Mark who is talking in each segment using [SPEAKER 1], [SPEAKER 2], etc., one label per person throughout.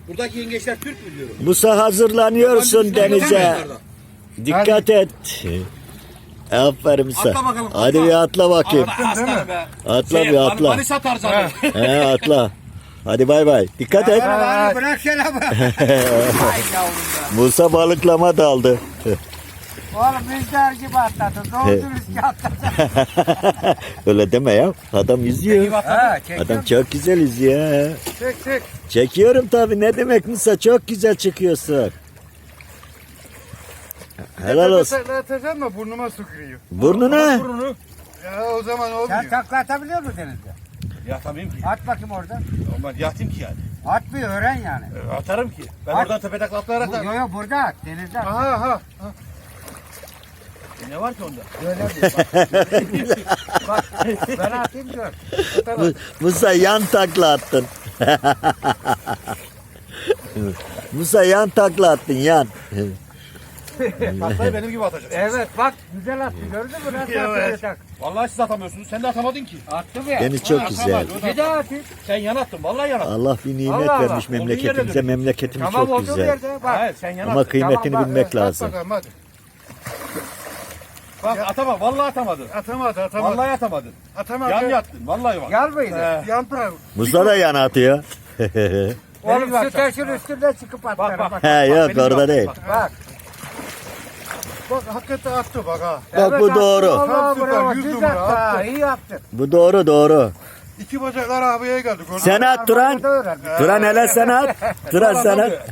[SPEAKER 1] Buradaki yengeçler Türk mü diyorum?
[SPEAKER 2] Musa hazırlanıyorsun denize. Dikkat et. Aferin Musa.
[SPEAKER 1] Atla bakalım, atla.
[SPEAKER 2] Hadi bir atla bakayım.
[SPEAKER 1] Aslanım be.
[SPEAKER 2] Atla bir atla.
[SPEAKER 1] Manisa tarzanı.
[SPEAKER 2] He atla. Hadi bay bay. Dikkat et.
[SPEAKER 3] Bırak şöyle bak. Ay yavrum be.
[SPEAKER 2] Musa balıklama daldı.
[SPEAKER 3] Oğlum rüzgar gibi atladın. Doğru riski atladın.
[SPEAKER 2] Öyle deme ya. Adam yüzüyor.
[SPEAKER 3] Ha,
[SPEAKER 2] Adam çok güzel yüzüyor.
[SPEAKER 3] Çek çek.
[SPEAKER 2] Çekiyorum tabii. Ne demek Musa? Çok güzel çıkıyorsun. Helal olsun.
[SPEAKER 4] Atacağım da burnuma sıkıyor.
[SPEAKER 2] Burnuna.
[SPEAKER 1] Burnunu.
[SPEAKER 4] Ya o zaman olmuyor.
[SPEAKER 3] Sen takla atabiliyor musun denizde?
[SPEAKER 1] Yatamayayım ki.
[SPEAKER 3] At bakayım orada.
[SPEAKER 1] Ama yatayım ki yani.
[SPEAKER 3] At bir öğren yani.
[SPEAKER 1] Atarım ki. Ben
[SPEAKER 3] At.
[SPEAKER 1] oradan tepe takla atlayarak da.
[SPEAKER 3] Yok yok burada at. Denizde at.
[SPEAKER 4] Aha.
[SPEAKER 1] Ne var ki onda?
[SPEAKER 3] Öyle bir bak. Ben atayım gör.
[SPEAKER 2] Musa yan takla attın. Musa yan takla attın yan.
[SPEAKER 1] Taklayı benim gibi atacaksın.
[SPEAKER 3] Evet bak güzel attı gördün mü? Nasıl
[SPEAKER 4] Evet.
[SPEAKER 3] atacak?
[SPEAKER 1] Vallahi siz atamıyorsunuz. Sen de atamadın ki.
[SPEAKER 3] Attım ya.
[SPEAKER 2] Deniz çok güzel.
[SPEAKER 3] Bir daha atayım.
[SPEAKER 1] Sen yan attın. Vallahi yan attın.
[SPEAKER 2] Allah bir nimet
[SPEAKER 3] Allah Allah.
[SPEAKER 2] vermiş
[SPEAKER 1] Olduğu
[SPEAKER 2] memleketimize.
[SPEAKER 1] yere
[SPEAKER 2] Memleketimiz
[SPEAKER 3] Tamam
[SPEAKER 2] çok
[SPEAKER 3] olduğum
[SPEAKER 2] güzel.
[SPEAKER 3] yerde bak.
[SPEAKER 1] Hayır sen yan
[SPEAKER 2] Ama
[SPEAKER 1] attın.
[SPEAKER 2] kıymetini
[SPEAKER 3] Tamam, bak,
[SPEAKER 2] bilmek
[SPEAKER 4] At
[SPEAKER 2] lazım.
[SPEAKER 4] bakalım hadi.
[SPEAKER 1] Bak atama. Vallahi atamadın.
[SPEAKER 4] Atamadı.
[SPEAKER 1] Vallahi atamadın.
[SPEAKER 4] Atamadı.
[SPEAKER 1] Yan yattın. Vallahi bak.
[SPEAKER 3] Yar mıydı?
[SPEAKER 4] Yan taraf.
[SPEAKER 2] Musa da yan atıyor.
[SPEAKER 3] Oğlum şu taşın üstünde çıkıp atlarım
[SPEAKER 1] bak.
[SPEAKER 3] bak.
[SPEAKER 2] He yok
[SPEAKER 1] benim
[SPEAKER 2] orada
[SPEAKER 1] bak,
[SPEAKER 2] değil.
[SPEAKER 1] bak.
[SPEAKER 3] Bak.
[SPEAKER 4] Bak hakikaten attı bak ha.
[SPEAKER 2] Bak bu
[SPEAKER 3] attın,
[SPEAKER 2] doğru.
[SPEAKER 3] Allah
[SPEAKER 4] Süper,
[SPEAKER 3] bravo.
[SPEAKER 4] 100
[SPEAKER 3] Düz
[SPEAKER 4] numara
[SPEAKER 3] attı ha,
[SPEAKER 4] attı.
[SPEAKER 3] iyi yaptın.
[SPEAKER 2] Bu doğru doğru.
[SPEAKER 4] İki bacaklar havaya geldi. gördün mü?
[SPEAKER 2] Sen at Turan.
[SPEAKER 3] Burada öğren.
[SPEAKER 2] Turan hele sen at. Turan sen at.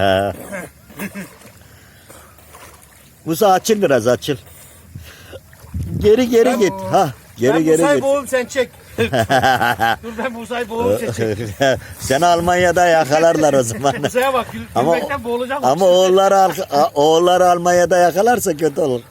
[SPEAKER 2] Musa açıl biraz açıl. Geri git. Ha geri
[SPEAKER 1] Ben Musa'yı
[SPEAKER 2] git.
[SPEAKER 1] boğum sen çek. Dur ben Musa'yı boğum sen çek.
[SPEAKER 2] Seni Almanya'da yakalarlar o zaman.
[SPEAKER 1] Musa'ya bak.
[SPEAKER 2] Ama-
[SPEAKER 1] Gülmekten boğulacağım.
[SPEAKER 2] Ama oğulları Almanya'da yakalarsa kötü olur.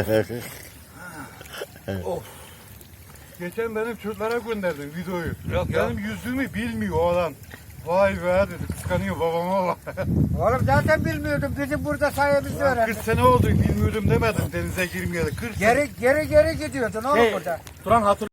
[SPEAKER 4] Geçen benim çocuklara gönderdim videoyu.
[SPEAKER 1] Yok ya.
[SPEAKER 4] Benim yüzümü bilmiyor o adam. Vay be dedi. Kıskanıyor babama bak.
[SPEAKER 3] Oğlum zaten bilmiyordum. Bizim burada sayemizde
[SPEAKER 4] 40
[SPEAKER 3] öğrendim.
[SPEAKER 4] sene oldu bilmiyordum demedim denize girmeyeli. 40 sene.
[SPEAKER 3] Geri gidiyordun oğlum burada.
[SPEAKER 1] Turan hatır.